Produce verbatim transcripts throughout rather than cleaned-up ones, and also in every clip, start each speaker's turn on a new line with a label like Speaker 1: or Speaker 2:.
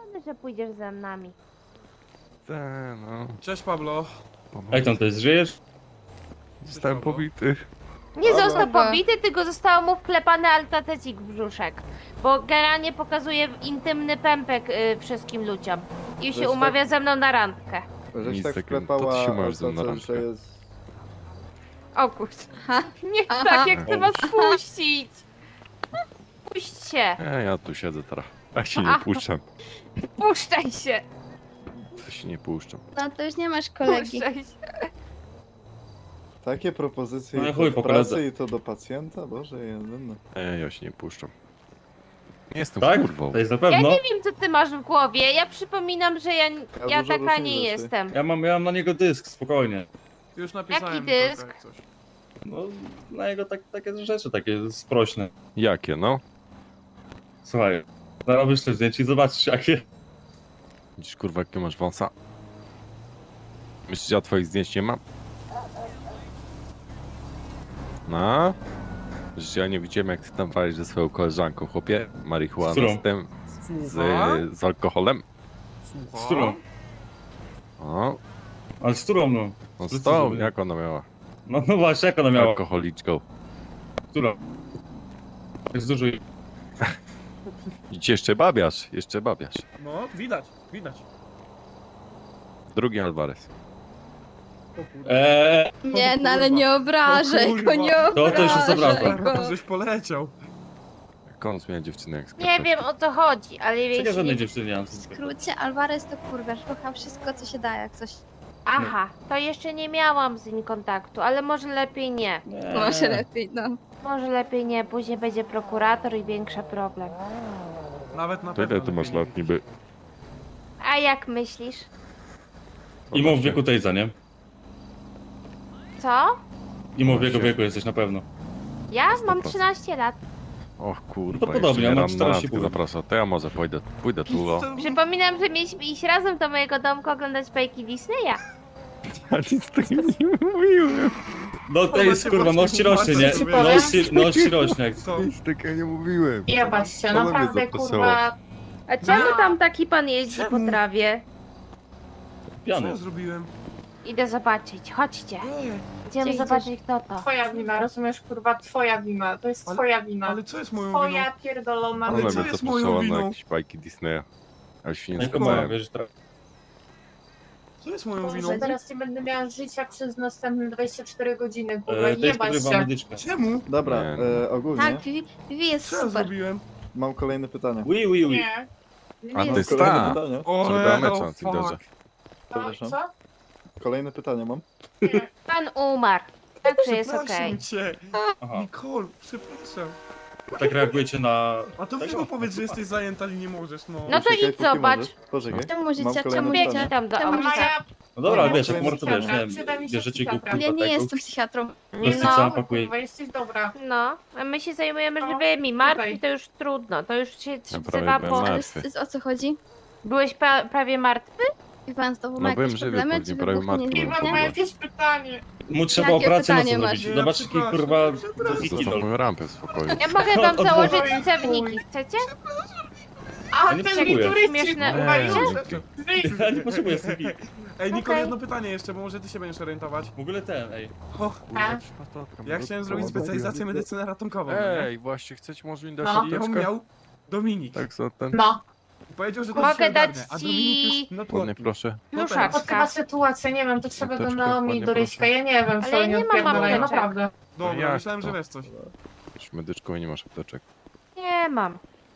Speaker 1: Pewnie, że pójdziesz ze nami.
Speaker 2: Te, no.
Speaker 3: Cześć Pablo.
Speaker 4: Jak tam to jest, żyjesz?
Speaker 2: Zostałem pobity.
Speaker 1: Nie
Speaker 5: Dobra.
Speaker 1: został pobity, tylko zostało mu wklepany altatecik w brzuszek. Bo generalnie pokazuje intymny pępek y, wszystkim ludziom. I
Speaker 5: Żeś
Speaker 1: się
Speaker 5: tak-
Speaker 1: umawia ze mną na randkę.
Speaker 5: Żeś
Speaker 2: Nic
Speaker 5: tak
Speaker 2: takiego, to
Speaker 5: wklepała,
Speaker 2: ty się możesz ze mną na
Speaker 5: że
Speaker 2: randkę.
Speaker 5: jest...
Speaker 1: O kurde.
Speaker 6: Ha,
Speaker 1: Nie
Speaker 6: aha.
Speaker 1: tak, jak chcę was puścić. Puśćcie.
Speaker 2: E, ja tu siedzę teraz. Ja się nie
Speaker 1: A.
Speaker 2: puszczam.
Speaker 1: Puszczaj się.
Speaker 2: Ja się nie puszczam.
Speaker 6: No to już nie masz kolegi.
Speaker 1: Puszczaj się.
Speaker 5: Takie propozycje
Speaker 4: No
Speaker 5: i
Speaker 4: chuj,
Speaker 5: to w
Speaker 4: po
Speaker 5: pracy
Speaker 4: koledze.
Speaker 5: i to do pacjenta? Boże, jedyny.
Speaker 2: E, ja się nie puszczam. Nie jestem
Speaker 4: Tak?
Speaker 2: kurwą.
Speaker 4: To jest na
Speaker 1: Ja
Speaker 4: pewno.
Speaker 1: nie wiem, co ty masz w głowie. Ja przypominam, że ja, ja
Speaker 5: dużo
Speaker 1: taka
Speaker 5: różnych
Speaker 1: nie
Speaker 5: rzeczy.
Speaker 1: jestem.
Speaker 4: Ja mam, ja mam na niego dysk, spokojnie.
Speaker 3: Już napisałem
Speaker 1: Jaki
Speaker 3: mi to,
Speaker 1: dysk?
Speaker 3: jak coś.
Speaker 4: No, na jego tak, takie rzeczy, takie sprośne.
Speaker 2: Jakie, no?
Speaker 4: Słuchaj, zarobisz te zdjęcie i zobaczysz jakie.
Speaker 2: Widzisz, kurwa, jakie masz wąsa? Myślisz, że ja twoich zdjęć nie mam? No? Że ja nie widziałem, jak ty tam walisz ze swoją koleżanką, chłopie? Marihuana
Speaker 4: Z którą?
Speaker 2: z tym...
Speaker 3: Słucham?
Speaker 2: Z, z alkoholem?
Speaker 4: Z którą?
Speaker 2: O,
Speaker 4: Ale z którą, no?
Speaker 2: no z
Speaker 4: Sprecyzuj.
Speaker 2: tą, jak ona miała?
Speaker 4: No, no właśnie, jak ona miała?
Speaker 2: Alkoholiczką.
Speaker 4: Która? Jest dużo.
Speaker 2: I ci jeszcze babiasz, jeszcze babiasz.
Speaker 3: No, widać, widać.
Speaker 2: Drugi Alvarez.
Speaker 3: O kurde.
Speaker 4: Eee,
Speaker 6: Nie, no ale nie obrażaj
Speaker 3: O
Speaker 6: go,
Speaker 3: kurwa.
Speaker 6: nie
Speaker 4: To- to już jest
Speaker 6: obrażaj
Speaker 4: obraza.
Speaker 6: go.
Speaker 3: Żeś poleciał.
Speaker 2: Jak on zmienia dziewczynę jak
Speaker 1: Nie
Speaker 2: skarpetki.
Speaker 1: wiem, o co chodzi, ale
Speaker 4: czekaj, żadnej
Speaker 1: jeśli...
Speaker 4: dziewczyny nie mam.
Speaker 6: W skrócie Alvarez to kurwa, rucha wszystko co się da, jak coś.
Speaker 1: Aha, to jeszcze nie miałam z nim kontaktu, ale może lepiej nie.
Speaker 4: Nie.
Speaker 6: Może lepiej, no.
Speaker 1: Może lepiej nie, później będzie prokurator i większy problem.
Speaker 3: Nawet na
Speaker 2: To
Speaker 3: pewno.
Speaker 2: ile ty masz
Speaker 3: lepiej
Speaker 2: lat niby?
Speaker 1: A jak myślisz?
Speaker 4: I mów w wieku Tejza, nie?
Speaker 1: Co?
Speaker 4: I mów w jego wieku jesteś na pewno.
Speaker 1: Ja mam
Speaker 2: sto procent.
Speaker 1: trzynaście lat.
Speaker 2: O kurwa,
Speaker 4: No to podobnie,
Speaker 2: jeszcze
Speaker 4: ja
Speaker 2: mnie
Speaker 4: mam
Speaker 2: ran- na
Speaker 4: czterdzieści
Speaker 2: randkę
Speaker 4: pół.
Speaker 2: zaprasza. To ja może pójdę, pójdę tu, o.
Speaker 3: To-
Speaker 1: Przypominam, że mieliśmy iść razem do mojego domku oglądać bajki Disneya.
Speaker 2: Ja nic takiego nie mówiłem.
Speaker 4: No to jest kurwa, noś ci rośnie, nie?
Speaker 3: Ci
Speaker 1: powiem?
Speaker 4: Noś ci, noś ci rośnie. jak-
Speaker 3: Co?
Speaker 2: Nic takiego nie mówiłem.
Speaker 7: Jebać się,
Speaker 2: Ona mnie
Speaker 7: naprawdę
Speaker 2: zapraszała.
Speaker 7: kurwa.
Speaker 1: A czemu
Speaker 7: No.
Speaker 1: tam taki pan jeździ
Speaker 3: Czemu?
Speaker 1: po trawie?
Speaker 3: Co
Speaker 4: Piany.
Speaker 3: ja zrobiłem?
Speaker 1: Idę zobaczyć, chodźcie.
Speaker 3: Ej,
Speaker 1: Idziemy
Speaker 7: Gdzie
Speaker 1: zobaczyć kto to.
Speaker 7: Twoja wina, rozumiesz kurwa, twoja wina. To jest
Speaker 3: Ale-
Speaker 7: twoja wina.
Speaker 3: ale co jest moją winą?
Speaker 7: Twoja pierdolona
Speaker 3: Ale
Speaker 2: Ona
Speaker 3: co
Speaker 2: mnie
Speaker 3: jest moją
Speaker 2: zapraszała na
Speaker 3: winą?
Speaker 2: jakieś bajki Disneya. A już się nie
Speaker 4: No i komara,
Speaker 2: zgadzałem.
Speaker 4: wiesz, tra-
Speaker 3: Co jest moją winą?
Speaker 7: Boże, teraz nie będę miała życia przez następne dwadzieścia cztery godziny, kurwa,
Speaker 4: e, to jest
Speaker 7: jebać
Speaker 4: podrywa
Speaker 7: się.
Speaker 4: medyczka.
Speaker 3: Czemu?
Speaker 5: Dobra,
Speaker 2: Nie.
Speaker 5: e, ogólnie
Speaker 6: Tak, Vivi, Vivi jest
Speaker 3: Co ja
Speaker 6: super.
Speaker 3: zrobiłem?
Speaker 5: mam kolejne pytanie.
Speaker 4: Ui, ui, ui.
Speaker 7: Nie. Nie
Speaker 2: A
Speaker 7: jest
Speaker 2: to jest
Speaker 5: Kolejne
Speaker 2: ta.
Speaker 5: pytanie?
Speaker 3: O,
Speaker 2: Co robiła
Speaker 3: e,
Speaker 2: mecza
Speaker 3: o,
Speaker 2: na Tinderze.
Speaker 3: fuck.
Speaker 7: to,
Speaker 5: Przepraszam.
Speaker 7: co?
Speaker 5: Kolejne pytanie mam.
Speaker 7: Nie.
Speaker 1: Pan umarł. Także jest okej.
Speaker 3: Przepraszam cię.
Speaker 4: Aha,
Speaker 3: Nicole, przepraszam.
Speaker 4: tak reagujecie na...
Speaker 3: A to
Speaker 4: Tak?
Speaker 3: weź mu powiedz, że jesteś zajęta i nie możesz, no.
Speaker 1: No to
Speaker 5: Poczekaj,
Speaker 1: idź
Speaker 5: póki
Speaker 1: zobacz.
Speaker 5: możesz. Poczekaj.
Speaker 6: Czemu
Speaker 5: Mam
Speaker 6: życia,
Speaker 5: kolejne
Speaker 6: czemu
Speaker 1: Biegnie
Speaker 5: pytanie.
Speaker 6: życia?
Speaker 1: tam do
Speaker 6: Czemu
Speaker 1: auta.
Speaker 6: życia?
Speaker 4: No dobra,
Speaker 5: No,
Speaker 4: wiesz, jak
Speaker 5: kolejny
Speaker 4: może to wiesz,
Speaker 5: psychiatra.
Speaker 4: nie
Speaker 7: Przyda mi
Speaker 4: wiem,
Speaker 7: się
Speaker 4: bierzecie go
Speaker 7: psychiatra.
Speaker 4: kurwa
Speaker 6: Ja nie
Speaker 4: tego.
Speaker 6: jestem psychiatrą.
Speaker 4: Prostyca
Speaker 7: No,
Speaker 4: pakuje.
Speaker 7: kurwa, jesteś dobra.
Speaker 1: No, a my się zajmujemy
Speaker 7: No,
Speaker 1: żywymi. Martwi
Speaker 7: tutaj.
Speaker 1: to już trudno, to już się
Speaker 2: Ja
Speaker 1: wzywa
Speaker 2: prawie
Speaker 1: po...
Speaker 2: byłem
Speaker 6: Ale
Speaker 2: martwy.
Speaker 6: z- o co chodzi?
Speaker 1: Byłeś pra prawie martwy?
Speaker 6: Wie pan, znowu
Speaker 2: No
Speaker 6: ma
Speaker 2: byłem
Speaker 6: jakieś
Speaker 2: żywy,
Speaker 6: problemy,
Speaker 2: pewnie
Speaker 6: czy
Speaker 2: prawie
Speaker 6: wybuchnie?
Speaker 2: martwy
Speaker 6: Nie,
Speaker 2: byłem.
Speaker 7: Kurwa,
Speaker 2: Dobra.
Speaker 7: ma jakieś pytanie.
Speaker 4: Mu trzeba
Speaker 6: Jakie
Speaker 4: operację
Speaker 6: pytanie
Speaker 4: mocno
Speaker 6: masz?
Speaker 4: zrobić. Zobacz, jaki
Speaker 3: Przepraszam,
Speaker 4: kurwa...
Speaker 3: przepraszam.
Speaker 4: wiki
Speaker 2: Zostaw
Speaker 4: dał.
Speaker 2: moją rampę w spokoju.
Speaker 1: Ja mogę wam
Speaker 4: Od-
Speaker 1: założyć
Speaker 7: odwołuj.
Speaker 1: cewniki, chcecie?
Speaker 7: A,
Speaker 4: Ja nie
Speaker 7: ten
Speaker 4: potrzebuję.
Speaker 7: turyści,
Speaker 1: Śmieszne.
Speaker 7: kurwa,
Speaker 2: Nie,
Speaker 7: już.
Speaker 2: dzięki.
Speaker 4: Ja nie potrzebuję C V.
Speaker 3: Ej, Nicole,
Speaker 1: Okej.
Speaker 3: jedno pytanie jeszcze, bo może ty się będziesz orientować.
Speaker 4: W ogóle ten, ej.
Speaker 3: O,
Speaker 7: A?
Speaker 3: ja chciałem zrobić specjalizację medycyny ratonkową. no nie?
Speaker 2: Ej, właśnie, chcecie może mi dać
Speaker 7: No.
Speaker 3: I ją
Speaker 2: apteczkę?
Speaker 3: miał Dominik.
Speaker 2: Tak, za ten.
Speaker 7: No,
Speaker 3: I powiedział, że to
Speaker 1: Mogę
Speaker 3: się
Speaker 1: dać
Speaker 3: ogarnia, a
Speaker 1: ci-
Speaker 3: Dominik już
Speaker 2: Ładnie,
Speaker 3: networking.
Speaker 2: proszę.
Speaker 3: No
Speaker 7: to chyba
Speaker 1: Pluszaczka.
Speaker 7: sytuacja, nie wiem, to trzeba do
Speaker 2: Apteczkę,
Speaker 7: Naomi
Speaker 2: ładnie,
Speaker 7: i do Ryśka,
Speaker 2: proszę.
Speaker 7: ja nie wiem,
Speaker 1: Ale
Speaker 7: co
Speaker 1: ja
Speaker 7: oni
Speaker 1: nie mam
Speaker 7: odpierdalają,
Speaker 1: apteczek.
Speaker 7: naprawdę.
Speaker 3: Dobra,
Speaker 2: Jak
Speaker 3: myślałem,
Speaker 2: to?
Speaker 3: że wiesz coś.
Speaker 2: Jesteś medyczką i nie masz apteczek.
Speaker 1: Nie mam.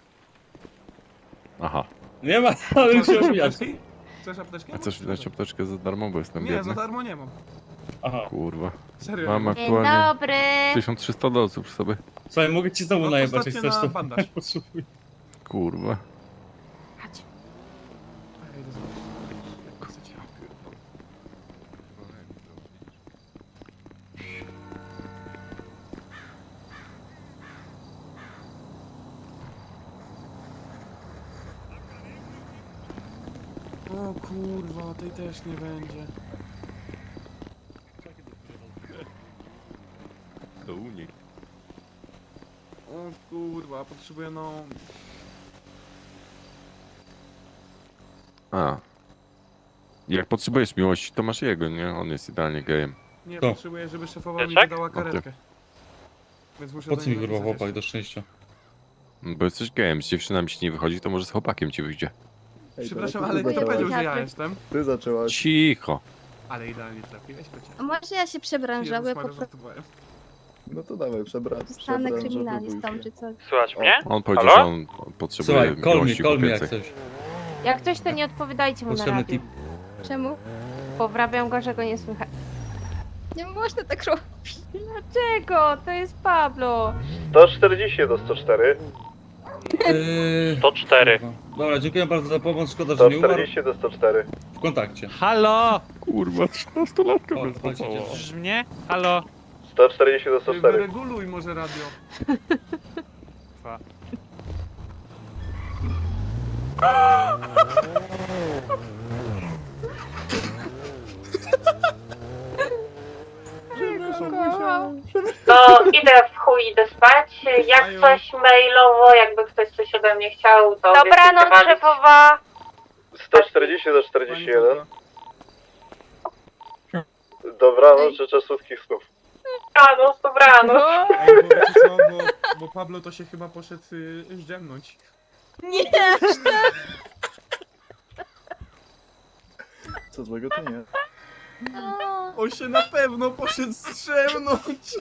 Speaker 2: Aha.
Speaker 4: Nie ma, ale już się
Speaker 3: Chcesz
Speaker 4: omijać.
Speaker 3: apteczki? Chcesz apteczkę?
Speaker 2: A chcesz dać apteczkę za darmo, bo jestem
Speaker 3: Nie, za
Speaker 2: biedny?
Speaker 3: darmo nie mam.
Speaker 4: Aha.
Speaker 2: Kurwa.
Speaker 3: Serio.
Speaker 2: Mam
Speaker 3: nie
Speaker 1: Dzień
Speaker 2: aktualnie
Speaker 1: dobry.
Speaker 2: tysiąc trzysta dolców przy sobie.
Speaker 4: Słuchaj, mogę ci znowu
Speaker 3: No to
Speaker 4: najebać, jak
Speaker 3: stawcie
Speaker 4: chcesz
Speaker 3: na
Speaker 4: to.
Speaker 3: bandaż.
Speaker 4: Potrzebuję.
Speaker 2: Kurwa.
Speaker 1: Chodź.
Speaker 3: mam. Ej, dobra. Chcecie? O kurwa, tej też nie będzie.
Speaker 2: To u nich.
Speaker 3: O kurwa, potrzebuję no...
Speaker 2: A. Jak potrzebujesz miłości, to masz jego, nie? On jest idealnie gejem.
Speaker 3: Nie,
Speaker 4: To.
Speaker 3: potrzebuję, żeby szefowa mi
Speaker 8: Pieczek?
Speaker 3: wydała karetkę. Więc muszę
Speaker 4: Po
Speaker 3: do
Speaker 4: co mi
Speaker 3: niej
Speaker 4: kurwa
Speaker 3: napisać
Speaker 4: chłopak do szczęścia?
Speaker 2: No Bo jesteś gejem, z dziewczynami ci nie wychodzi, to może z chłopakiem ci wyjdzie.
Speaker 5: Ej,
Speaker 3: Przepraszam,
Speaker 5: to
Speaker 3: ale
Speaker 5: ty
Speaker 3: kto powiedział,
Speaker 5: zaczęłaś.
Speaker 3: że ja jestem?
Speaker 5: Ty zaczęłaś.
Speaker 2: Cicho.
Speaker 3: Ale idealnie trafiłeś, Pecia.
Speaker 6: A może ja się przebranżałuję,
Speaker 3: Jezus
Speaker 6: po
Speaker 3: Maria,
Speaker 6: prostu
Speaker 3: żartowałem.
Speaker 5: No to dawaj, przebrać.
Speaker 6: zostanę kryminalistą czy coś.
Speaker 8: Słuchaj mnie?
Speaker 2: On powiedział,
Speaker 8: Halo?
Speaker 2: że on potrzebuje
Speaker 4: Słuchaj, call me,
Speaker 2: miłości
Speaker 4: call me jak
Speaker 2: kobiecej.
Speaker 4: coś.
Speaker 1: Jak coś, to nie odpowiadajcie mu na
Speaker 4: Potrzebny
Speaker 1: radiu.
Speaker 4: tip.
Speaker 6: Czemu?
Speaker 1: Powrabiam go, że go nie słychać.
Speaker 6: Nie można tak robić.
Speaker 1: Dlaczego? To jest Pablo.
Speaker 5: sto czterdzieści do sto cztery.
Speaker 4: Yy,
Speaker 8: To cztery.
Speaker 4: kurwa. Dobra, dziękuję bardzo za pomoc, szkoda, że nie umarł.
Speaker 5: do sto cztery.
Speaker 4: W kontakcie.
Speaker 8: Halo!
Speaker 2: Kurwa, trzynastolatka
Speaker 4: O,
Speaker 2: mnie
Speaker 4: słuchajcie,
Speaker 2: złapała.
Speaker 4: dziewczyny.
Speaker 8: Słyszysz mnie? Halo?
Speaker 5: sto czterdzieści do
Speaker 3: Ty wyreguluj może radio.
Speaker 8: Dwa.
Speaker 7: To idę w chuj, idę spać. Jak
Speaker 3: Aju.
Speaker 7: coś mailowo, jakby ktoś coś ode mnie chciał, to
Speaker 1: Dobranoc,
Speaker 7: wiecie,
Speaker 1: szefowa.
Speaker 5: sto czterdzieści do
Speaker 3: Pani
Speaker 5: czterdzieści jeden.
Speaker 3: Córka.
Speaker 5: Dobranoc, życzę słodkich snów.
Speaker 7: Dobranoc, dobranoc.
Speaker 3: Ej, bo wiecie co, bo, bo Pablo to się chyba poszedł y, zdrzemnąć.
Speaker 6: Nie!
Speaker 5: Co złego to nie.
Speaker 3: On się na pewno poszedł zdrzemnąć.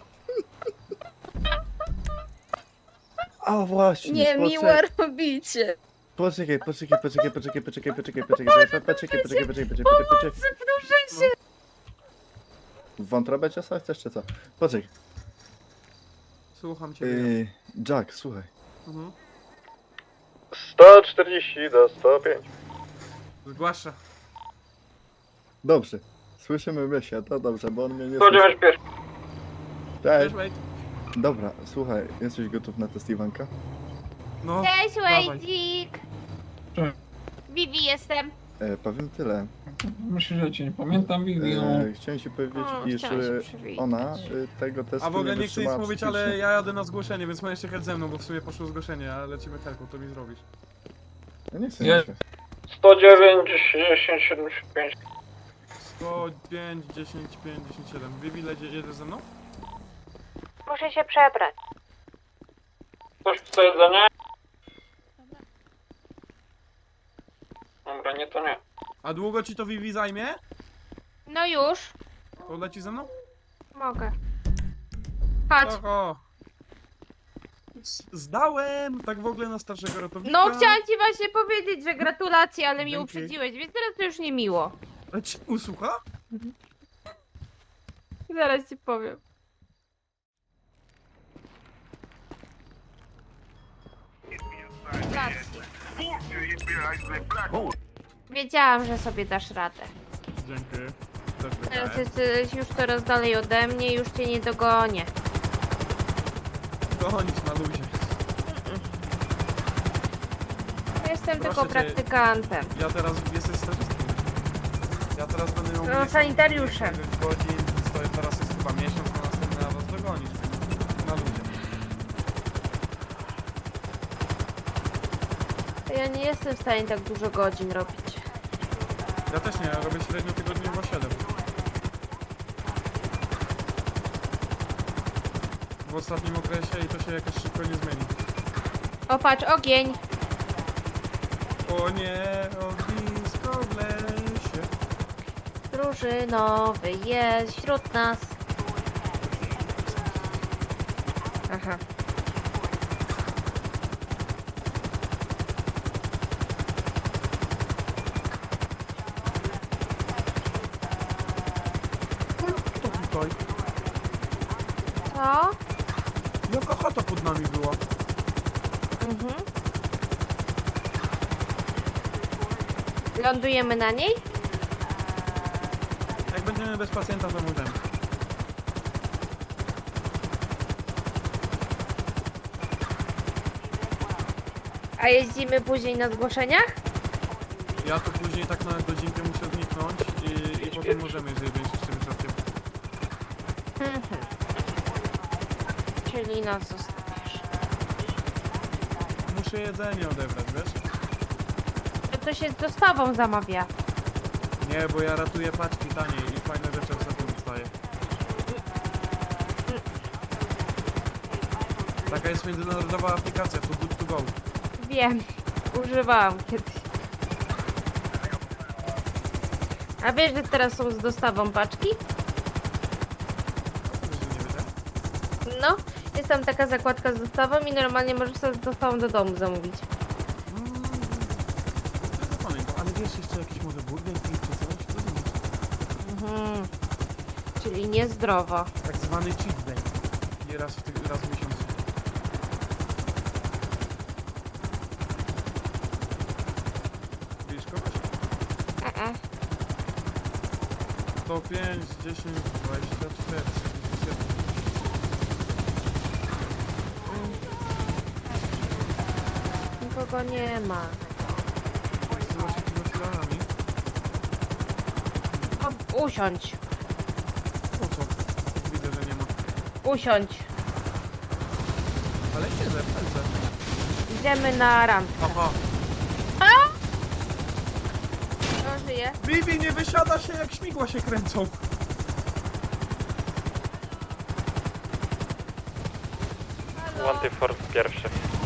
Speaker 5: A właśnie.
Speaker 6: Nie,
Speaker 5: poczekaj.
Speaker 6: miłe robicie.
Speaker 5: Poczekaj, poczekaj, poczekaj, poczekaj, poczekaj, poczekaj, poczekaj, poczekaj, poczekaj, poczekaj, poczekaj, poczekaj, poczekaj. W wątrobę ciasa chcesz czy co? Poczekaj.
Speaker 3: Słucham cię.
Speaker 5: Yy, Jack, słuchaj.
Speaker 3: Mhm.
Speaker 5: sto czterdzieści do sto pięć.
Speaker 3: Zgłasza.
Speaker 5: Dobrze. Słyszymy Mysia, to dobrze, bo on mnie nie słyszy.
Speaker 7: pierwszy.
Speaker 5: Cześć.
Speaker 3: Cześć, mate.
Speaker 5: Dobra, słuchaj, jesteś gotów na test Iwanka?
Speaker 3: No,
Speaker 1: Cześć,
Speaker 3: dawaj.
Speaker 1: Wejdzik.
Speaker 3: Cześć.
Speaker 1: Vivi jestem.
Speaker 5: E, powiem tyle.
Speaker 3: Myślę, że cię nie pamiętam,
Speaker 5: E, chciałem ci powiedzieć,
Speaker 1: O,
Speaker 5: iż
Speaker 1: chciałam się
Speaker 5: e,
Speaker 1: przywitać.
Speaker 5: ona e, tego testu
Speaker 3: A w ogóle
Speaker 5: nie
Speaker 3: nie chcę nic
Speaker 5: wytrzymała
Speaker 3: mówić, ale
Speaker 5: psychicznie.
Speaker 3: ja jadę na zgłoszenie, więc możesz jechać ze mną, bo w sumie poszło zgłoszenie, a lecimy helką, to mi zrobisz.
Speaker 5: Ja nie chcę.
Speaker 3: Nie.
Speaker 5: Nie.
Speaker 8: sto dziewięć, dziesięć, siedemdziesiąt pięć.
Speaker 3: sto pięć, dziesięć, pięć, dziesięć, siedem. Vivi, jedzie- jedziesz ze mną?
Speaker 1: Muszę się przebrać.
Speaker 8: Coś chce jedzenie? Dobra, nie to nie.
Speaker 3: A długo ci to Vivi zajmie?
Speaker 1: No już.
Speaker 3: To leci ze mną?
Speaker 1: Mogę. Chodź.
Speaker 3: Oho. Zdałem! Tak w ogóle na starszego ratownika.
Speaker 1: No chciałam ci właśnie powiedzieć, że gratulacje, ale mnie
Speaker 3: Dzięki.
Speaker 1: uprzedziłeś, więc teraz to już nie miło.
Speaker 3: Ale ci usłucha?
Speaker 1: Zaraz ci powiem. Gratulacje. Wiedziałam, że sobie dasz radę.
Speaker 3: Dzięki. Też
Speaker 1: Teraz
Speaker 3: wygrałem.
Speaker 1: jesteś już coraz dalej ode mnie, już cię nie dogonię.
Speaker 3: Gonić na luzie.
Speaker 1: Jestem
Speaker 3: Proszę
Speaker 1: tylko
Speaker 3: cię.
Speaker 1: praktykantem.
Speaker 3: Ja teraz jestem stażystą. Ja teraz będę miał...
Speaker 1: No,
Speaker 3: mniej-
Speaker 1: sanitariuszem.
Speaker 3: dziewięć godzin, to teraz jest chyba miesiąc, a następny na was dogonić. Na luzie.
Speaker 1: Ja nie jestem w stanie tak dużo godzin robić.
Speaker 3: Ja też nie, ja robię średnio tygodniowo siedem. W ostatnim okresie i to się jakoś szybko nie zmieni.
Speaker 1: O patrz, ogień!
Speaker 3: O nie, ognisko w lesie.
Speaker 1: Drużynowy jest wśród nas. Aha.
Speaker 3: To tutaj.
Speaker 1: Co?
Speaker 3: Jaka chata pod nami była?
Speaker 1: Mhm. Lądujemy na niej?
Speaker 3: Jak będziemy bez pacjenta, to mówię.
Speaker 1: A jeździmy później na zgłoszeniach?
Speaker 3: Ja to później tak na godzinkę muszę zniknąć i, i potem możemy, jeżeli będziesz jeszcze wystarczy.
Speaker 1: Mhm. Czyli nas zostawisz.
Speaker 3: Muszę jedzenie odebrać, wiesz?
Speaker 1: to się z dostawą zamawia.
Speaker 3: Nie, bo ja ratuję paczki taniej i fajne rzeczy ostatnio dostaję. Taka jest międzynarodowa aplikacja, to good to go.
Speaker 1: Wiem, używałam kiedyś. A wiesz, że teraz są z dostawą paczki?
Speaker 3: Wiesz, że nie wiedziałem?
Speaker 1: No, jest tam taka zakładka z dostawą i normalnie możesz sobie z dostawą do domu zamówić.
Speaker 3: Mm, nie zapamiętam, ale wiesz jeszcze jakiś może burger King czy coś? To nie.
Speaker 1: Mhm. Czyli niezdrowo.
Speaker 3: Tak zwany cheat day. Nie raz w, ty- raz w miesiącu. Widzisz kogoś?
Speaker 1: E-e.
Speaker 3: sto pięć, dziesięć, dwadzieścia cztery, trzydzieści siedem.
Speaker 1: Nikogo nie ma.
Speaker 3: Zsyła się tymi filarami.
Speaker 1: O, usiądź.
Speaker 3: Po co? Widzę, że nie ma.
Speaker 1: Usiądź.
Speaker 3: Ale nie, zepnę.
Speaker 1: Idziemy na randkę.
Speaker 3: Aha.
Speaker 1: Kto żyje?
Speaker 3: Bibi, nie wysiada się jak śmigła się kręcą.
Speaker 8: Wanty Force pierwszy.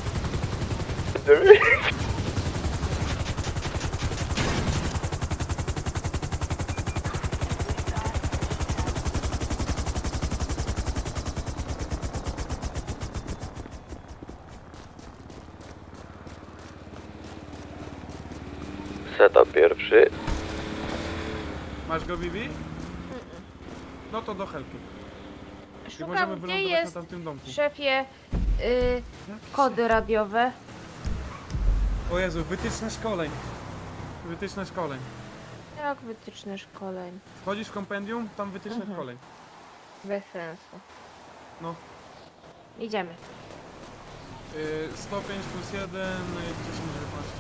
Speaker 9: Setup pierwszy.
Speaker 3: Masz go, Bibi? No to do helki. I
Speaker 1: Szukam,
Speaker 3: możemy
Speaker 1: gdzie
Speaker 3: wylądować
Speaker 1: jest,
Speaker 3: na tamtym domku.
Speaker 1: szefie, y,
Speaker 3: Jak
Speaker 1: kody radiowe.
Speaker 3: O Jezu, wytyczne szkoleń. Wytyczne szkoleń.
Speaker 1: Jak wytyczne szkoleń?
Speaker 3: Wchodzisz w kompendium, tam wytyczne
Speaker 1: Mhm.
Speaker 3: szkoleń.
Speaker 1: Bez sensu.
Speaker 3: No.
Speaker 1: Idziemy.
Speaker 3: Yy, sto pięć plus jeden, dziesięć, dziewiętnaście.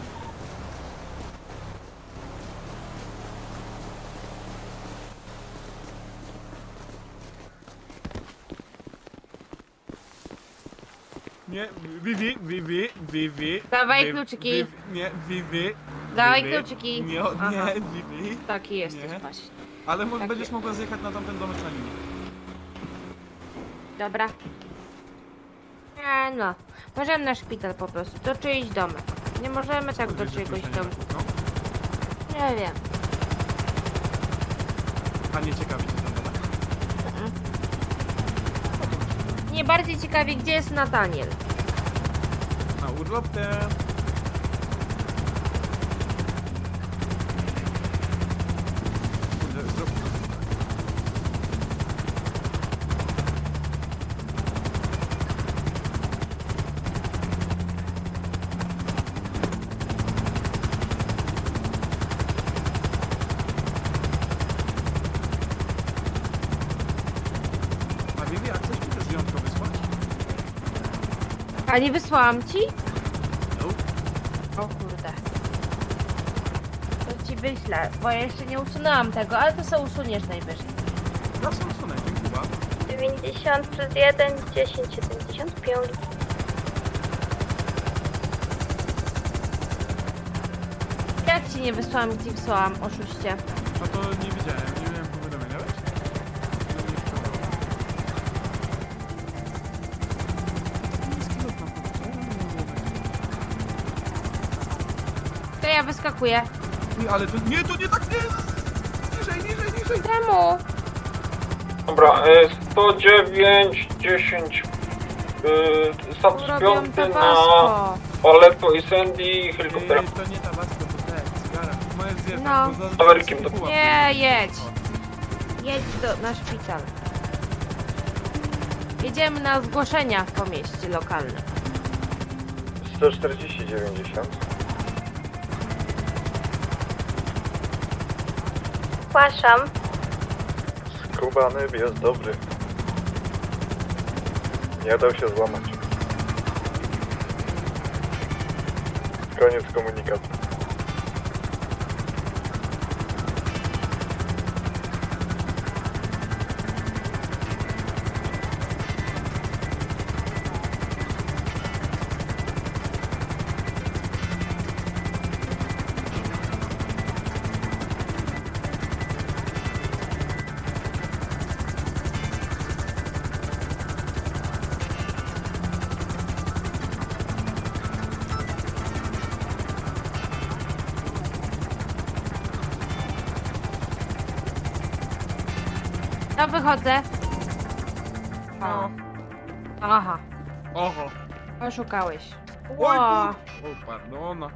Speaker 3: Nie, Vivi, Vivi, Vivi.
Speaker 1: Dawaj
Speaker 3: Vivi,
Speaker 1: kluczyki.
Speaker 3: Vivi, nie, Vivi.
Speaker 1: Dawaj
Speaker 3: Vivi.
Speaker 1: kluczyki.
Speaker 3: Nie,
Speaker 1: Aha.
Speaker 3: nie, Vivi.
Speaker 1: Taki jesteś
Speaker 3: Nie.
Speaker 1: właśnie.
Speaker 3: Ale mo-
Speaker 1: Takie.
Speaker 3: będziesz mogła zjechać na tamten domek na linii.
Speaker 1: Dobra. Nie no. Możemy na szpital po prostu. Do czyjś domek. Nie możemy tak do
Speaker 3: Wiesz, że
Speaker 1: czyjegoś
Speaker 3: ktoś na nie
Speaker 1: domku.
Speaker 3: nakupnął?
Speaker 1: Nie wiem.
Speaker 3: A nie ciekawi cię ten domek?
Speaker 1: Mnie bardziej ciekawi, gdzie jest Nataniel.
Speaker 3: Na urlop te... Kurde, zrób to. A Vivi, a chcesz mi też zdjątko wysłać?
Speaker 1: A nie wysłałam ci?
Speaker 3: No.
Speaker 1: O kurde. To ci wyślę, bo ja jeszcze nie usunęłam tego, ale to sobie usuniesz najwyżej.
Speaker 3: Zawsze usunę, dziękuję bardzo.
Speaker 6: dziewięćdziesiąt plus jeden, dziesięć, siedemdziesiąt pięć.
Speaker 1: Jak ci nie wysłałam, ci wysłałam, oszuście.
Speaker 3: A to nie widziałem, nie miałem powiadomienia, wiesz? No nie wpadało. Niski lot na pewno, czemu nie mówię?
Speaker 1: To ja wyskakuję.
Speaker 3: Nie, ale to nie, to nie tak, nie! Niżej, niżej, niżej!
Speaker 1: Czemu?
Speaker 8: Dobra, y, sto dziewięć, dziesięć. Yy, status
Speaker 1: Robią
Speaker 8: piąty na
Speaker 1: tabasco.
Speaker 8: Aleppo i Sandy helikoptera.
Speaker 3: Yy, to nie tabasco, to te, cygara. Możesz zjechać,
Speaker 1: No.
Speaker 3: bo za...
Speaker 8: Tawerkiem to-
Speaker 3: pułap.
Speaker 1: Nie, jedź. Jedź do, na szpital. Jedziemy na zgłoszenia po mieście lokalnym.
Speaker 9: sto czterdzieści dziewięćdziesiąt.
Speaker 6: Zgłaszam.
Speaker 9: Skubany jest dobry. Nie dał się złamać. Koniec komunikatu.
Speaker 1: No wychodzę.
Speaker 3: No.
Speaker 1: Aha,
Speaker 3: Oho.
Speaker 1: oszukałeś.
Speaker 3: Oj,
Speaker 1: Ło.
Speaker 3: kur- O, pardona.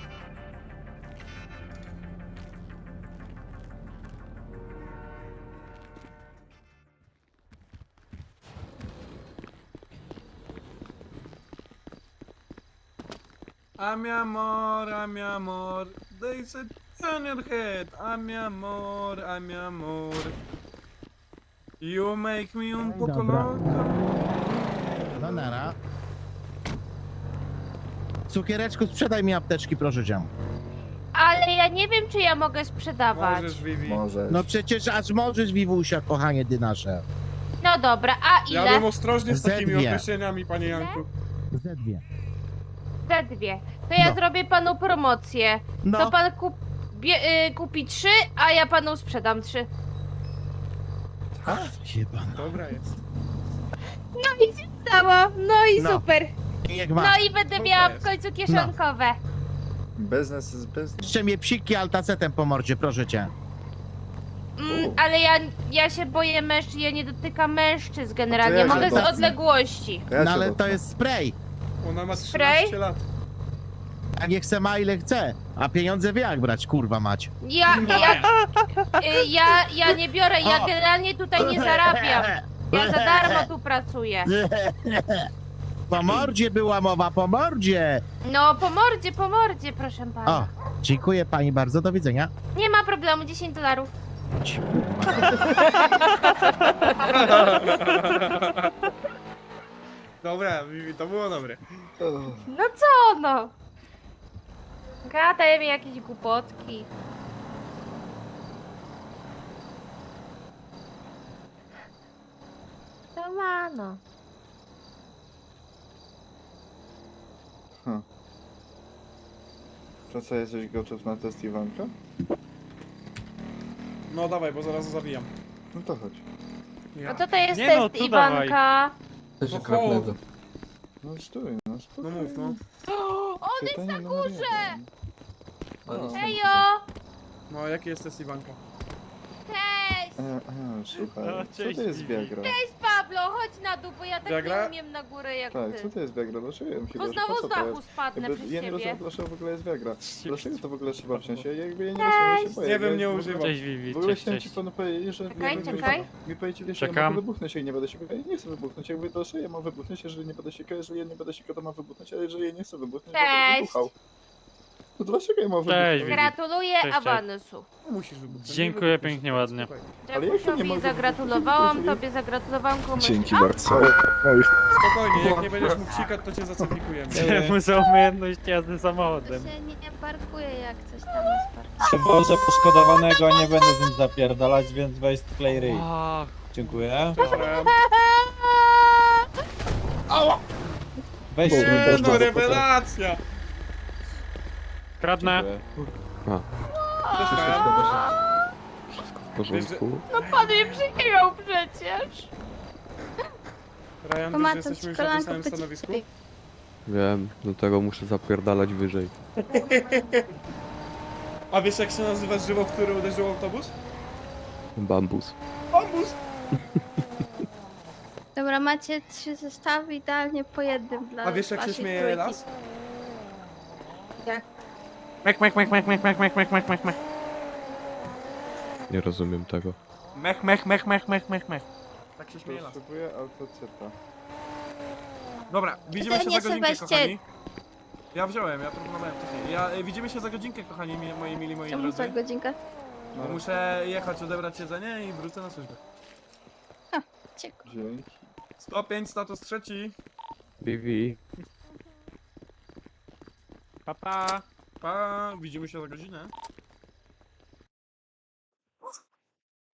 Speaker 3: A mi amor, a mi amor, they said turn your head. A mi amor, a mi amor, you make me un poco
Speaker 10: Dobra.
Speaker 3: loco.
Speaker 10: No nara. Cukiereczku, sprzedaj mi apteczki, proszę cię.
Speaker 1: Ale ja nie wiem, czy ja mogę sprzedawać.
Speaker 3: Możesz, Vivi.
Speaker 5: Może.
Speaker 10: No przecież aż możesz, Wiwusia, kochanie ty nasze.
Speaker 1: No dobra, a
Speaker 3: Ja
Speaker 1: ile?
Speaker 3: bym ostrożnie z takimi
Speaker 10: Zedwie.
Speaker 3: określeniami, panie Janku.
Speaker 10: Ze dwie.
Speaker 1: Te dwie. To ja
Speaker 10: No.
Speaker 1: zrobię panu promocję.
Speaker 10: No,
Speaker 1: To pan kup, bie, y, kupi trzy, a ja panu sprzedam trzy.
Speaker 10: jebana.
Speaker 3: Dobra jest.
Speaker 1: No i się stało. No i
Speaker 10: No.
Speaker 1: super.
Speaker 10: Niech
Speaker 1: No
Speaker 10: ma.
Speaker 1: i będę
Speaker 3: To
Speaker 1: miała
Speaker 3: jest.
Speaker 1: w końcu kieszonkowe.
Speaker 5: Biznes jest biznes.
Speaker 10: Jeszcze mnie psiki altacetem po mordzie, proszę cię.
Speaker 1: Mm, ale ja, ja się boję mężczyzn, ja nie dotykam mężczyzn generalnie.
Speaker 5: ja się
Speaker 1: Mogę z
Speaker 5: dotknę.
Speaker 1: odległości.
Speaker 5: Ja
Speaker 10: No
Speaker 5: się
Speaker 10: ale to
Speaker 5: dotknę.
Speaker 10: jest spray.
Speaker 3: Ona ma
Speaker 1: Spray?
Speaker 3: trzynaście lat.
Speaker 10: A nie chce ma ile chce. A pieniądze wie jak brać, kurwa mać.
Speaker 1: Ja, ja, y, ja, ja nie biorę, ja generalnie tutaj nie zarabiam. Ja za darmo tu pracuję.
Speaker 10: Po mordzie była mowa, po mordzie.
Speaker 1: No, po mordzie, po mordzie, proszę
Speaker 10: O,
Speaker 1: pana.
Speaker 10: dziękuję pani bardzo, do widzenia.
Speaker 1: Nie ma problemu, dziesięć dolarów.
Speaker 10: Ci, kurwa.
Speaker 3: Dobra, Vivi, to było dobre.
Speaker 1: No co no? Gadaj mi jakieś głupotki. To ma no.
Speaker 5: To co, jesteś gotów na test Iwanka?
Speaker 3: No dawaj, bo zaraz zabijam.
Speaker 5: No to chodź.
Speaker 3: Ja.
Speaker 1: No co to jest
Speaker 8: Nie
Speaker 1: test
Speaker 8: no, tu
Speaker 1: Iwanka?
Speaker 3: No, chodź.
Speaker 5: No stój, no
Speaker 3: No
Speaker 5: spokojnie.
Speaker 3: mów, no.
Speaker 1: On jest
Speaker 5: Pytanie
Speaker 1: na
Speaker 5: numer
Speaker 1: górze!
Speaker 5: jeden. O.
Speaker 1: Ejo!
Speaker 3: No, jaki jest test Iwanka?
Speaker 1: Cześć!
Speaker 5: E, e, słuchaj,
Speaker 8: O,
Speaker 5: co
Speaker 8: cześć,
Speaker 5: to jest
Speaker 8: Vivi.
Speaker 5: Viagra?
Speaker 1: Cześć Pablo, chodź na dół, bo ja tak
Speaker 3: Viagra?
Speaker 1: nie umiem na górę jak
Speaker 5: Tak, co
Speaker 1: ty.
Speaker 5: to jest Viagra? Dlaczego ja bym się
Speaker 1: Bo
Speaker 5: że
Speaker 1: znowu
Speaker 5: po
Speaker 1: z
Speaker 5: co to
Speaker 1: dachu
Speaker 5: jest?
Speaker 1: spadnę
Speaker 5: Jakby,
Speaker 1: przez
Speaker 5: ja nie rozumiem,
Speaker 1: ciebie.
Speaker 5: dlaczego w ogóle jest Viagra. Dlaczego to w ogóle trzeba wziąć? Ja jakby ja nie rozumiem, ja się boję.
Speaker 3: Nie wiem,
Speaker 5: Ja
Speaker 3: nie
Speaker 5: w ogóle-
Speaker 3: używam.
Speaker 8: Cześć Vivi,
Speaker 5: W ogóle
Speaker 8: cześć,
Speaker 5: chciałem ci
Speaker 8: cześć.
Speaker 5: panu powiedzieć, że
Speaker 1: Czekaj,
Speaker 5: jakby
Speaker 1: czekaj.
Speaker 5: Mi, mi powiedzieli, że ja
Speaker 8: Czekam.
Speaker 5: mogę wybuchnąć, ja nie będę się ja nie chcę wybuchnąć, jakby to, że ja mam wybuchnąć, jeżeli nie będę sikał, jeżeli ja nie będę sikał, to mam wybuchnąć, ale jeżeli ja nie chcę wybuchnąć, to będę
Speaker 1: Cześć.
Speaker 5: wybuchał. To dlaczego ja mam
Speaker 8: Cześć,
Speaker 5: wybuchnąć?
Speaker 8: Vivi.
Speaker 1: Gratuluję
Speaker 8: Cześć, cześć.
Speaker 1: awansu.
Speaker 3: No, musisz wybuchnąć.
Speaker 8: Dziękuję
Speaker 3: nie wybuchniesz.
Speaker 8: pięknie, ładnie.
Speaker 3: Słuchaj,
Speaker 5: Ale jak to nie
Speaker 1: Dziękuję,
Speaker 5: mogę
Speaker 1: zagratulowałam,
Speaker 5: wybuchnąć?
Speaker 1: tobie zagratulowałam komuś.
Speaker 5: Dzięki
Speaker 1: A,
Speaker 5: bardzo.
Speaker 3: Spokojnie, jak nie będziesz mógł sikać, to cię zacertyfikujemy.
Speaker 8: Czemu za umiejętność jazdy
Speaker 6: To
Speaker 8: samochodem?
Speaker 6: się nie, nie parkuje jak coś tam jest parkowane.
Speaker 11: Przywożę poszkodowanego, a nie będę z nim zapierdalać, więc weź sklej ryj.
Speaker 8: Ach,
Speaker 11: Dziękuję.
Speaker 3: Dobra.
Speaker 11: Weź
Speaker 5: Dobra,
Speaker 3: Nie,
Speaker 11: sobie
Speaker 3: no rewelacja!
Speaker 8: kradnę.
Speaker 3: Dostałem.
Speaker 2: Wszystko w porządku.
Speaker 1: No pan mnie przyjechał przecież.
Speaker 3: Ryan, wiesz, że
Speaker 6: Pomacam
Speaker 3: jesteśmy
Speaker 6: ci
Speaker 3: już na tym
Speaker 6: kolanko,
Speaker 3: samym
Speaker 6: pycik,
Speaker 3: stanowisku?
Speaker 6: pycik.
Speaker 2: Wiem, do tego muszę zapierdalać wyżej.
Speaker 3: A wiesz jak się nazywa żywo, w który uderzył autobus?
Speaker 2: Bambus.
Speaker 3: Autobus!
Speaker 6: Dobra, macie trzy zestawy idealnie po jednym dla
Speaker 3: A wiesz jak się
Speaker 6: waszej
Speaker 3: śmieje
Speaker 6: trójki.
Speaker 3: las?
Speaker 8: Mek, mek, mek, mek, mek, mek, mek, mek, mek, mek, mek.
Speaker 2: Nie rozumiem tego.
Speaker 8: Mech, mech, mech, mech, mech, mech, mech.
Speaker 3: Tak się śmieje las.
Speaker 5: Potrzebuję autocyta.
Speaker 3: Dobra, widzimy
Speaker 6: Ty
Speaker 3: się
Speaker 6: nie
Speaker 3: za godzinkę,
Speaker 6: Sebastian.
Speaker 3: kochani. Ja wziąłem, ja proponowałem wcześniej. Ja, y, widzimy się za godzinkę, kochani, mi, moi mili, moi
Speaker 6: Czemu za
Speaker 3: drodzy.
Speaker 6: godzinkę?
Speaker 3: Bo muszę jechać, odebrać jedzenie i wrócę na służbę.
Speaker 6: Ciekawe.
Speaker 5: Dzięki.
Speaker 3: sto pięć, status trzeci.
Speaker 2: Vivi.
Speaker 8: Pa, pa.
Speaker 3: Pa, widzimy się za godzinę.